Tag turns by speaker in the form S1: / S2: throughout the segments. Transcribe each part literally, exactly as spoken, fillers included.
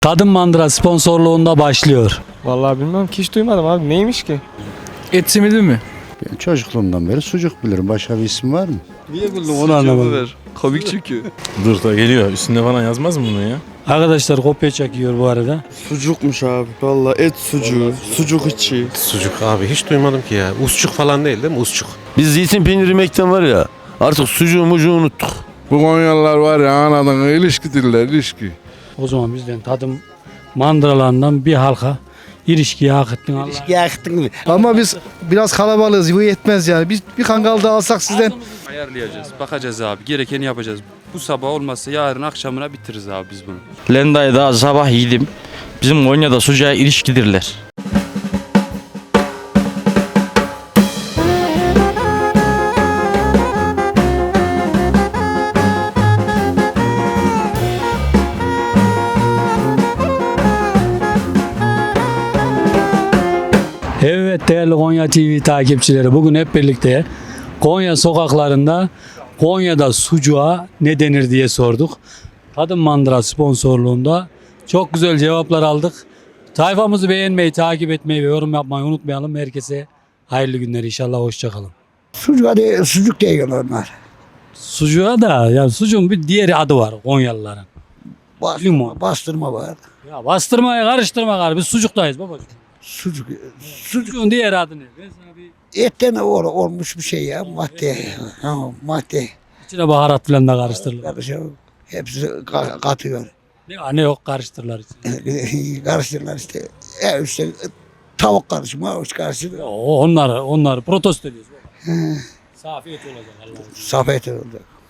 S1: Tadım Mandıra sponsorluğunda başlıyor.
S2: Vallahi bilmem ki, hiç duymadım abi. Neymiş ki?
S3: Et simidi mi?
S4: Ben çocukluğumdan beri sucuk bilirim. Başka bir isim var mı?
S1: Niye buldun onu anlamadım.
S2: Komik çünkü.
S3: Dur da geliyor. Üstünde falan yazmaz mı bunu ya?
S1: Arkadaşlar kopya çekiyor bu arada.
S2: Sucukmuş abi. Vallahi et sucuğu, sucuk içi.
S5: Sucuk abi hiç duymadım ki ya. Usçuk falan değil değil mi? Usçuk.
S6: Biz zeytin peyniri yemekten var ya, artık sucuğu mucuğu unuttuk.
S7: Bu Konyalılar var ya, anadan ilişki diller, ilişki.
S1: O zaman bizden tadım mandıralarından bir halka ilişkiyi hak ettin Allah.
S8: Ama biz biraz kalabalığız, bu yetmez yani. Biz bir kangal daha alsak sizden.
S9: Ayarlayacağız, bakacağız abi. Gerekeni yapacağız. Bu sabah olmazsa yarın akşamına bitiririz abi biz bunu.
S10: Lenda'yı daha sabah yedim. Bizim Konya'da sucuğa ilişkidirler.
S1: Evet değerli Konya T V takipçileri, bugün hep birlikte Konya sokaklarında Konya'da sucuğa ne denir diye sorduk. Tadım Mandıra sponsorluğunda çok güzel cevaplar aldık. Sayfamızı beğenmeyi, takip etmeyi ve yorum yapmayı unutmayalım. Herkese hayırlı günler inşallah, hoşçakalın.
S8: Sucuk değil, sucuk değil onlar.
S1: Sucuğa da ya, sucuğun bir diğer adı var Konyalıların.
S8: Bastırma, bastırma var.
S1: Ya bastırmaya karıştırma gari, biz sucuktayız babacığım.
S8: Sucuk, sucuk
S1: Sucuğun diğer adı ne? Ben sana bir
S8: etten ol, olmuş bir şey ya, madde. Ha, madde.
S1: içine baharat falan da karıştırılır.
S8: Karışıyor. Hepsi ka- katıyor.
S1: Ne, ne yok karıştırırlar içine.
S8: Karıştırırlar işte. Ya işte tavuk karışımı, havuç karışımı.
S1: O onlar onlar protesto ediyoruz baba. Safiyet olacak Allah'ım.
S8: Safet oldu.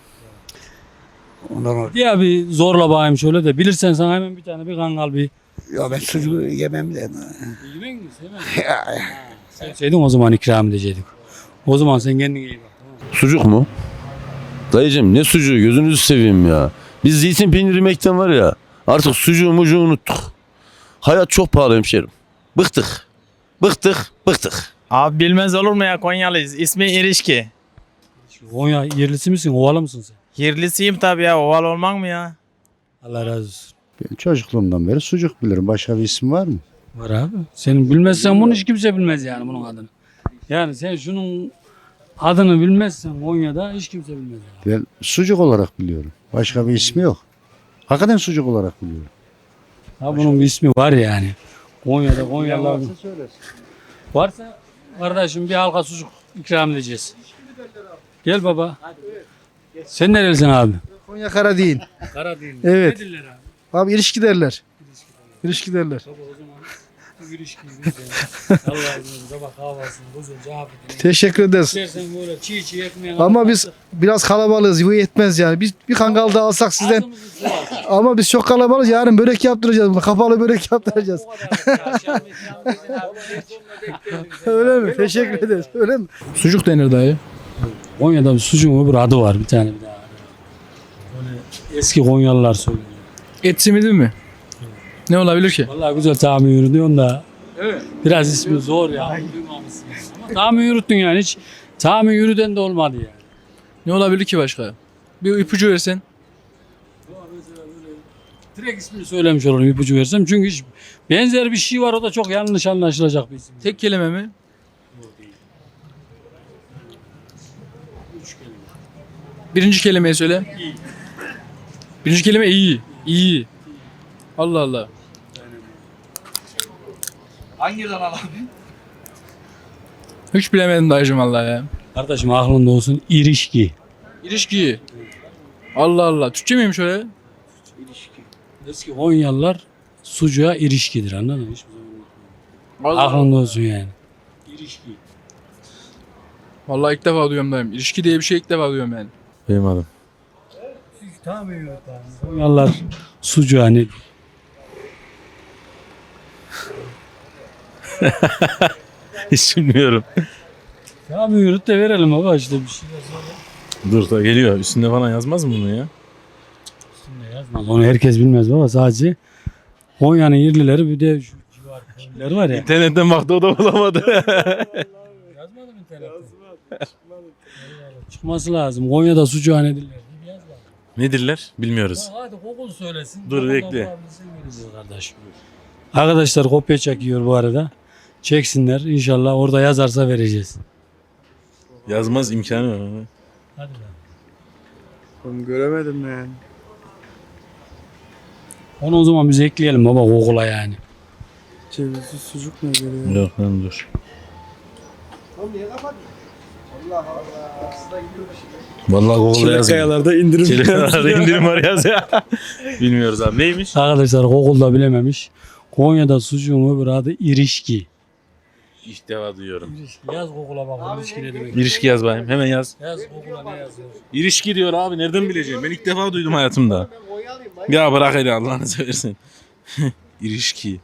S8: Ondan sonra,
S1: Diye bir zorla bakayım şöyle de, bilirsen sana hemen bir tane bir kangal bir
S8: ya ben sucuğu yemem de.
S1: yemek mi sevmem. Sevseydin o zaman ikram edecektik. O zaman sen kendine iyi bak. Tamam.
S6: Sucuk mu? Dayıcım ne sucuğu, gözünüzü seveyim ya. Biz zeytin peyniri yemekten var ya, artık sucuğu mucuğu unuttuk. Hayat çok pahalı hemşerim. Bıktık. Bıktık, bıktık.
S11: Abi bilmez olur mu ya, Konyalıyız. İsmi İrişki.
S1: Konya yerlisi misin? Ovalı mısın sen?
S11: Yerlisiyim tabii ya. Oval olmak mı ya?
S1: Allah razı olsun.
S4: Ben çocukluğumdan beri sucuk bilirim. Başka bir isim var mı?
S1: Var abi. Senin bilmezsen bunu hiç kimse bilmez yani, bunun adını. Yani sen şunun adını bilmezsen Konya'da hiç kimse bilmez. Yani.
S4: Ben sucuk olarak biliyorum. Başka bir ismi yok. Hakikaten sucuk olarak biliyorum.
S1: Ha, bunun bir ismi var yani. Konya'da Konyalılar. Varsa kardeşim bir halka sucuk ikram edeceğiz. Gel baba. Sen nerelisin abi?
S8: Konya Karadağ.
S1: Karadeniz.
S8: Evet.
S1: Ne diller abi?
S8: Abi ilişki derler. İlişki derler.
S1: Baba o zaman bu ilişkiyi biz de Allah'ın sabah kahvaltısını güzelce cevap edelim.
S8: Teşekkür ederiz.
S1: İstersen böyle çiğ çiğ ekmeğe
S8: Ama biz biraz kalabalığız, bu yetmez yani. Biz bir kangal daha alsak sizden.
S1: ağzımızı sıvarsın.
S8: Ama biz çok kalabalığız. Yarın börek yaptıracağız bunu. Kapalı börek yaptıracağız.
S1: O kadar ya, akşam ikram edin abi. En sonuna bekleyelim seni.
S8: Öyle mi? Teşekkür ederiz. Öyle mi?
S3: Sucuk denir dayı.
S1: Konya'da bir sucuğun öbür adı var bir tane bir daha. Böyle eski Konyalılar söylüyor.
S3: Et simidi mi? Ne olabilir ki?
S1: Vallahi güzel tahmin yürütüyorsun da. Evet. Biraz ismi zor ya. Duymamışsın. Ama tahmin yürüttün yani, hiç tahmin yürüten de olmadı yani.
S3: Ne olabilir ki başka? Bir ipucu versen.
S1: Direkt ismini söylemiş olurum ipucu versem, çünkü hiç benzer bir şey var, o da çok yanlış anlaşılacak bir isim.
S3: Tek kelime mi? Birinci kelimeyi söyle. Birinci kelime iyi. İyi. Allah Allah.
S2: Hangiden al abi?
S3: Hiç bilemedim dayıcım vallahi ya.
S1: Kardeşim aklında olsun, irişki.
S3: İlişki. Allah Allah. Türkçe miymiş öyle?
S1: Eski Konyalılar sucuğa irişkidir, anladın mı? Hiçbir zaman unutma. Aklında olsun yani. İrişki.
S3: Vallahi ilk defa duyuyorum dayım. İlişki diye bir şey ilk defa duyuyorum yani.
S6: Benim adım.
S1: Konyalılar sucuğa ne?
S6: Hiç bilmiyorum.
S1: Tahmin yürüt de verelim baba, işte bir şeyler söyle.
S3: Dur da geliyor. Üstünde falan yazmaz mı bunu ya?
S1: Üstünde yazmaz. Onu herkes bilmez baba, sadece Konya'nın yerlileri, bir de şu civar köyleri var ya.
S3: İnternetten baktı o da bulamadı.
S1: Yazmadım internette. Çıkması lazım. Konya'da sucuğa ne diller?
S3: Nedirler? Bilmiyoruz.
S1: Hadi Google söylesin.
S3: Dur,
S1: Google'dan
S3: bekle.
S1: bulabilirsin. Kardeşim. Arkadaşlar kopya çekiyor bu arada. Çeksinler. İnşallah orada yazarsa vereceğiz.
S3: Yazmaz imkanı var.
S1: Hadi lan.
S2: Ben göremedim yani.
S1: Onu o zaman biz ekleyelim baba Google'a yani.
S2: Cevizli sucuk ne geliyor?
S3: Yok lan dur. Vallahi Google'da yazmıyor.
S9: Kayalarda indirim.
S3: Çelikayalarda indirim var yaz ya. Bilmiyoruz abi. Neymiş?
S1: Arkadaşlar Google'da bilememiş. Konya'da sucuğun öbür adı irişki.
S3: İlk defa duyuyorum.
S1: Yaz Google'a bak irişki ne demek.
S3: İlişki yaz bakayım. Hemen yaz.
S1: Yaz Google'a ne yazıyor?
S3: İlişki diyor abi. Nereden bileceğim? Ben ilk defa duydum hayatımda. Ya bırak hele Allah'ını seversen. İlişki.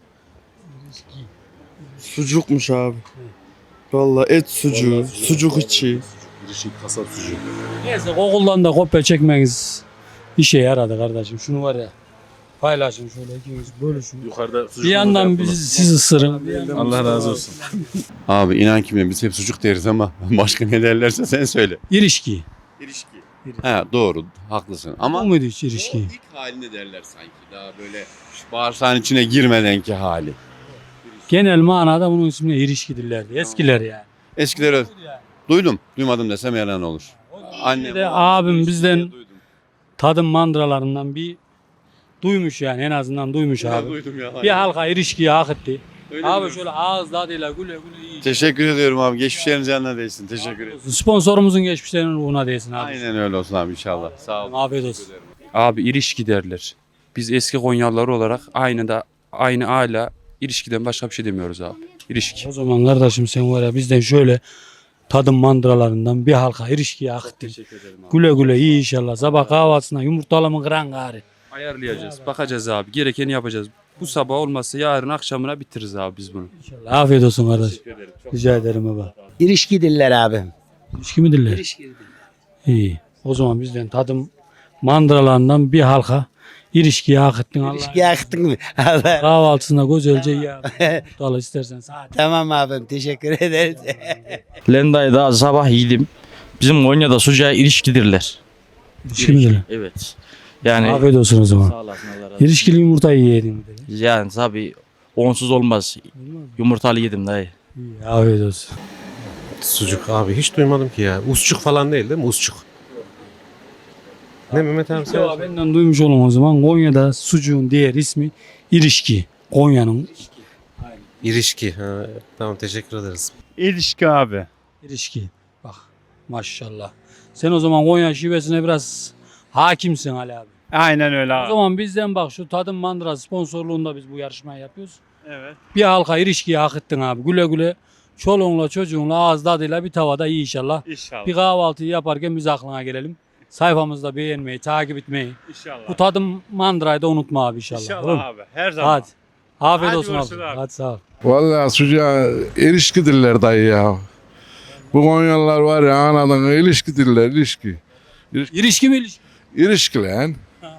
S2: Sucukmuş abi. Vallahi et sucuğu, sucuk içi.
S3: İlişki kasap sucuğu.
S1: Neyse Google'dan da kopya çekmeniz işe yaradı kardeşim. Şunu var ya paylaşın şöyle ikiniz bölüşün.
S3: Yukarıda sucuk.
S1: Bir yandan bizi, siz ısırın. Bir yandan
S3: Allah razı olsun.
S6: Abi inan ki biz hep sucuk deriz ama başka ne derlerse sen söyle.
S1: İrişki.
S6: İlişki. He doğru haklısın ama
S1: Bu muydu hiç ilişki?
S6: ilk halini derler sanki. Daha böyle şu bağırsağın içine girmedenki hali.
S1: Genel manada bunun ismine ilişkidirlerdi. Eskiler yani.
S6: Eskiler öyle. Duydum. Duymadım desem yalan olur. Annem.
S1: de abim bizden tadım mandıralarından bir duymuş yani en azından duymuş abi.
S6: Duydum ya.
S1: Bir halka ilişkiyi hak etti.
S6: Öyle
S1: Abi
S6: mi?
S1: şöyle ağız tadıyla güle güle iyi.
S6: Teşekkür ediyorum abi. Geçmişleriniz yanına değsin. Teşekkür ederim.
S1: Sponsorumuzun geçmişlerinin ruhuna değsin abi.
S6: Aynen öyle olsun abi inşallah. Sağ ol.
S1: Afiyet olsun.
S9: Abi ilişki derler. Biz eski Konyalılar olarak aynı da aynı hala ilişkiden başka bir şey demiyoruz abi. İlişki.
S1: O zaman kardeşim sen var ya bizden şöyle tadım mandıralarından bir halka ilişkiyi hak ettin.
S9: Teşekkür ederim abi.
S1: Güle güle iyi inşallah. Sabah kahvaltısına yumurtalı mı kıran gari.
S9: Ayarlayacağız. Bakacağız abi. Gerekeni yapacağız. Bu sabah olmazsa yarın akşamına bitiririz abi biz bunu.
S1: İnşallah. Afiyet olsun kardeş. Rica ederim baba.
S12: İlişki diller abi.
S1: İlişki mi diller?
S12: İlişki.
S1: İyi. O zaman bizden tadım mandıralarından bir halka ilişkiyi hak ettin. Allah.
S12: İlişki yaktın mı? Allah.
S1: Kahvaltısında güzelce ya. Yumurtalı istersen saat.
S12: Tamam abim teşekkür ederiz.
S10: Lenday'da sabah yedim. Bizim Konya'da sucuğa ilişkidirler.
S1: İlişki mi diller?
S10: Evet. Yani
S1: Afiyet olsun o zaman.
S10: sağ olasın Allah razı olsun.
S1: İlişkili yumurtayı yedin.
S10: Yani tabii onsuz olmaz. Yumurtalı yedim dayı.
S1: İyi, afiyet olsun.
S5: Sucuk abi hiç duymadım ki ya. Usçuk falan değil değil mi? Usçuk. Ne Mehmet abi sen?
S1: Ya benden duymuş olun o zaman. Konya'da sucuğun diğer ismi ilişki. Konya'nın
S5: İrişki. Ha, tamam teşekkür ederiz.
S4: İlişki abi.
S1: ilişki. Bak maşallah. Sen o zaman Konya şivesine biraz hakimsin Ali abi.
S4: Aynen öyle
S1: O zaman bizden bak şu tadım mandıra sponsorluğunda biz bu yarışmayı yapıyoruz.
S4: Evet.
S1: Bir halka ilişkiyi hak ettin abi. Güle güle çoluğunla çocuğunla ağız tadıyla bir tavada iyi inşallah.
S4: İnşallah.
S1: Bir kahvaltıyı yaparken biz aklına gelelim. Sayfamızda beğenmeyi, takip etmeyi.
S4: İnşallah.
S1: Bu tadım mandırayı da unutma abi inşallah. Olur mu?
S4: abi. Her
S1: Hadi. Afiyet
S4: Hadi
S1: olsun abi.
S4: görüşürüz abi.
S1: Hadi sağ ol.
S7: Vallahi sucuğa ilişki diller dayı ya. Bu Konyalılar var ya anadan ilişki diller ilişki.
S1: İlişki mi ilişki?
S7: İlişki lan.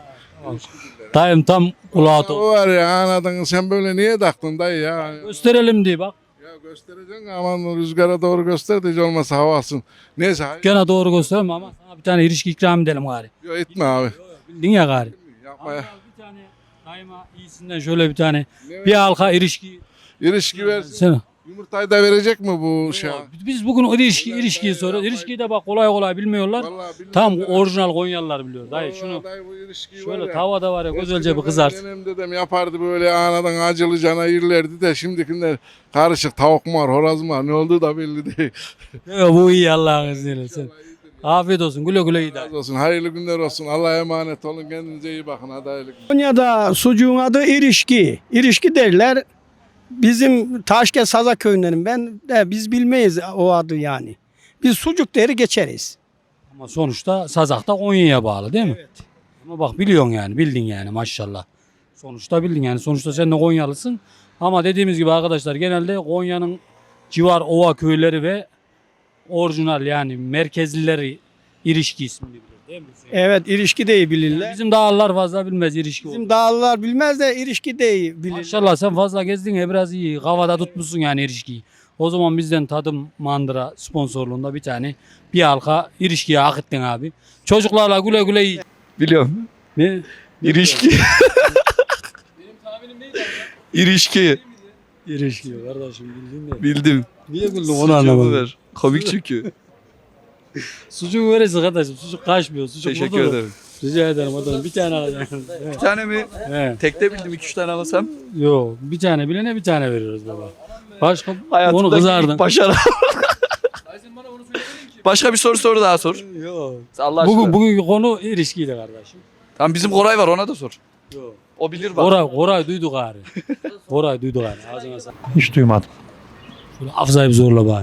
S1: Dayım tam kulağı to-
S7: O var ya anadan sen böyle niye taktın dayı ya?
S1: Gösterelim diye bak.
S7: Ya göstereceksin aman rüzgara doğru göster de hiç olmazsa hava alsın. Neyse hayır.
S1: Gene doğru gösterme ama sana bir tane ilişki ikram edelim gari.
S7: Yok etme abi.
S1: Bildin ya gari.
S7: Yapma ya.
S1: Bir tane daima iyisinden şöyle bir tane bir halka ilişki.
S7: İlişki versin.
S1: Sen,
S7: Yumurtayı da verecek mi bu şey?
S1: biz bugün o ilişki, ilişkiyi soruyoruz. İlişkiyi de bak kolay kolay bilmiyorlar.
S7: Vallahi bilmiyorum
S1: Tam
S7: da-
S1: orijinal Konyalılar biliyor. Dayı
S7: Vallahi
S1: şunu
S7: dayı bu ilişkiyi var
S1: şöyle
S7: ya.
S1: tavada var ya güzelce bir
S7: Eskiden
S1: kızart.
S7: benim Nenem dedem yapardı böyle anadan acılı cana yerlerdi de şimdikiler karışık tavuk mu var horoz mu var ne olduğu da belli değil.
S1: Yo, bu iyi Allah'ın izniyle. Sen. Afiyet olsun. Güle güle iyi dayı.
S7: Razı olsun hayırlı günler olsun Allah'a emanet olun kendinize iyi bakın hadi hayırlı günler.
S12: Konya'da sucuğun adı ilişki. İlişki derler. Bizim Taşkent Saza köyündenim ben. De biz bilmeyiz o adı yani. Biz sucuk deri geçeriz.
S1: Ama sonuçta Sazak da Konya'ya bağlı değil mi? Evet. Ama bak biliyorsun yani bildin yani maşallah. Sonuçta bildin yani sonuçta sen de Konyalısın. Ama dediğimiz gibi arkadaşlar genelde Konya'nın civar ova köyleri ve orijinal yani merkezlileri ilişki ismini bilir değil mi?
S12: Evet ilişki de bilirler.
S1: Bizim dağlılar fazla bilmez ilişki.
S12: Bizim
S1: olduğunu.
S12: dağlılar bilmez de ilişki de bilir.
S1: Maşallah sen fazla gezdin ya biraz iyi. Kavada tutmuşsun yani ilişkiyi. O zaman bizden tadım mandıra sponsorluğunda bir tane bir halka ilişkiye hak ettin abi. Çocuklarla güle güle iyi.
S12: Biliyorum.
S1: Ne?
S12: İlişki.
S2: İrişki.
S1: İrişki kardeşim bildin de.
S2: Bildim.
S1: Niye güldün onu
S2: Sucuğumu
S1: anlamadım.
S2: ver. Komik çünkü.
S1: Sucuk verirsin kardeşim. Sucuk kaçmıyor. Sucuk
S2: Teşekkür
S1: burada.
S2: ederim.
S1: Rica ederim adam. Bir tane alacaksın.
S2: Bir tane mi?
S1: He.
S2: Tekte bildim iki üç tane alasam.
S1: Yok. Bir tane bilene bir tane veriyoruz baba. Başka onu
S2: Hayatımdaki
S1: kızardın.
S2: ilk başarı. Başka bir soru soru daha sor.
S1: Yok.
S2: Allah aşkına.
S1: Bugün, bugünkü konu ilişkiydi kardeşim.
S2: Tamam bizim Koray var ona da sor.
S1: Yok.
S2: O bilir bak.
S1: Koray, Koray duyduk gari. Koray duyduk gari. Ağzına sağlık.
S4: Hiç duymadım.
S1: Şöyle Afza'yı bir zorla bakayım.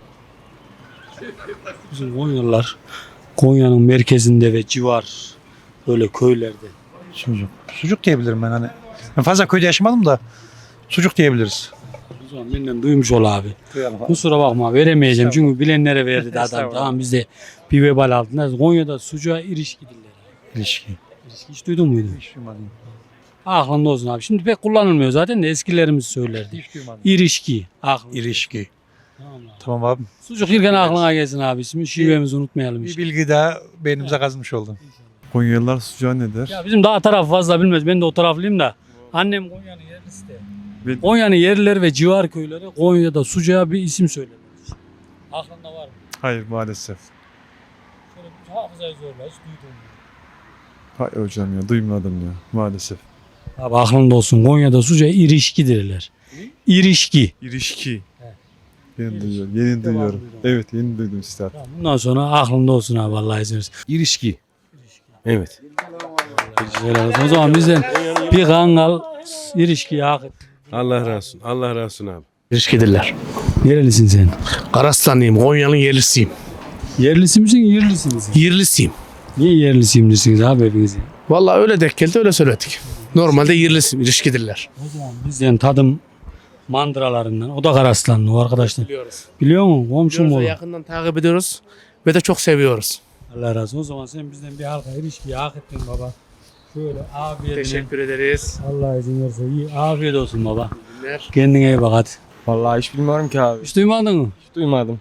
S1: Bizim Konyalılar Konya'nın merkezinde ve civar böyle köylerde.
S4: Sucuk. Sucuk diyebilirim ben hani. Ben fazla köyde yaşamadım da sucuk diyebiliriz.
S1: O zaman benden duymuş ol abi.
S4: Duyalım.
S1: Kusura bakma veremeyeceğim çünkü bilenlere verdi de adam.
S4: Estağfurullah.
S1: Tamam biz de bir vebal altında. Konya'da sucuğa ilişki diller.
S4: İlişki.
S1: İlişki hiç duydun muydu?
S4: Hiç duymadım.
S1: Aklında olsun abi. Şimdi pek kullanılmıyor zaten de eskilerimiz söylerdi.
S4: Hiç duymadım.
S1: İrişki. Aklında.
S4: İlişki.
S1: Tamam abi.
S4: Tamam abi.
S1: Sucuk yerken aklına gelsin abi. Şimdi şivemizi unutmayalım.
S4: Bir
S1: işte.
S4: bilgi daha beynimize kazmış oldu.
S7: Konyalılar sucuğa ne der?
S1: Ya bizim daha taraf fazla bilmez. Ben de o taraflıyım da. Annem Konya'nın yerlisi de.
S7: Ve-
S1: Konya'nın yerlileri ve civar köyleri Konya'da sucuğa bir isim söylerler. Aklında var mı?
S7: Hayır maalesef.
S1: Şöyle bir hafızayı zorla. Hiç duydun mu?
S7: Hayır hocam ya duymadım ya maalesef.
S1: Abi aklında olsun. Konya'da sucuğa irişki derler. İrişki.
S7: İrişki.
S1: He.
S7: Yeni duyuyorum. Yeni duyuyorum.
S1: duydum.
S7: Evet yeni duydum üstad.
S1: Tamam, bundan sonra aklında olsun abi Allah'a izin verirse.
S3: İrişki. Evet.
S1: Helal olsun. O zaman bizden bir kangal irişkiye hak et.
S3: Allah razı olsun. Allah razı olsun abi.
S11: İlişkidirler.
S1: Nerelisin sen?
S11: Karaslanlıyım. Konya'nın yerlisiyim.
S1: Yerlisi misin, yerlisi misin?
S11: Yerlisiyim.
S1: Niye yerlisiyim diyorsunuz abi hepiniz?
S11: Vallahi öyle denk geldi öyle söyledik. Normalde yerlisiyim. İlişkidirler.
S1: O zaman bizden tadım mandıralarından. O da Karaslanlı o arkadaşlar.
S11: Biliyoruz.
S1: Biliyor musun? Komşum
S11: Biliyoruz ve
S1: olur.
S11: yakından takip ediyoruz. Ve de çok seviyoruz.
S1: Allah razı olsun. O zaman sen bizden bir halka ilişkiyi hak ettin baba. Şöyle afiyetine.
S11: Teşekkür ederiz.
S1: Allah izin verirse iyi. Afiyet olsun baba.
S11: Günler.
S1: Kendine iyi bak hadi.
S13: Vallahi hiç bilmiyorum ki abi.
S1: Hiç duymadın mı?
S13: Hiç duymadım.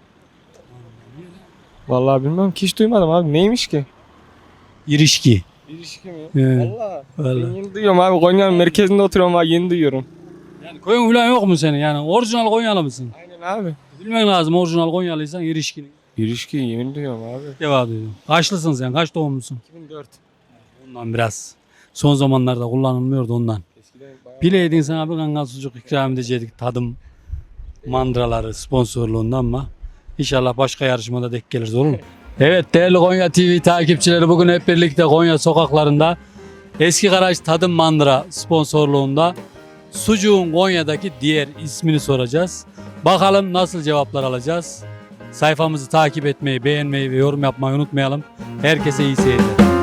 S13: Vallahi bilmiyorum ki hiç duymadım abi. Neymiş ki?
S1: İrişki.
S13: İlişki mi?
S1: He.
S13: Vallahi. Ben
S1: Vallahi.
S13: yeni duyuyorum abi. Konya'nın merkezinde oturuyorum abi. Yeni duyuyorum.
S1: Yani koyun falan yok mu senin? Yani orijinal Konyalı mısın?
S13: Aynen abi.
S1: Bilmen lazım orijinal Konyalıysan irişkinin.
S13: İlişki yeni duyuyorum abi.
S1: Cevap ediyorum. Kaçlısın sen? Kaç doğumlusun?
S13: iki bin dört.
S1: Ondan biraz. Son zamanlarda kullanılmıyordu ondan.
S13: Eskiden bayağı...
S1: Bileydin sana bir kangal sucuk ikram edecektik tadım mandıraları sponsorluğundan ama inşallah başka yarışmada denk geliriz olur mu? Evet değerli Konya T V takipçileri bugün hep birlikte Konya sokaklarında Eski Karaç Tadım Mandıra sponsorluğunda sucuğun Konya'daki diğer ismini soracağız. Bakalım nasıl cevaplar alacağız. Sayfamızı takip etmeyi, beğenmeyi ve yorum yapmayı unutmayalım. Herkese iyi seyirler.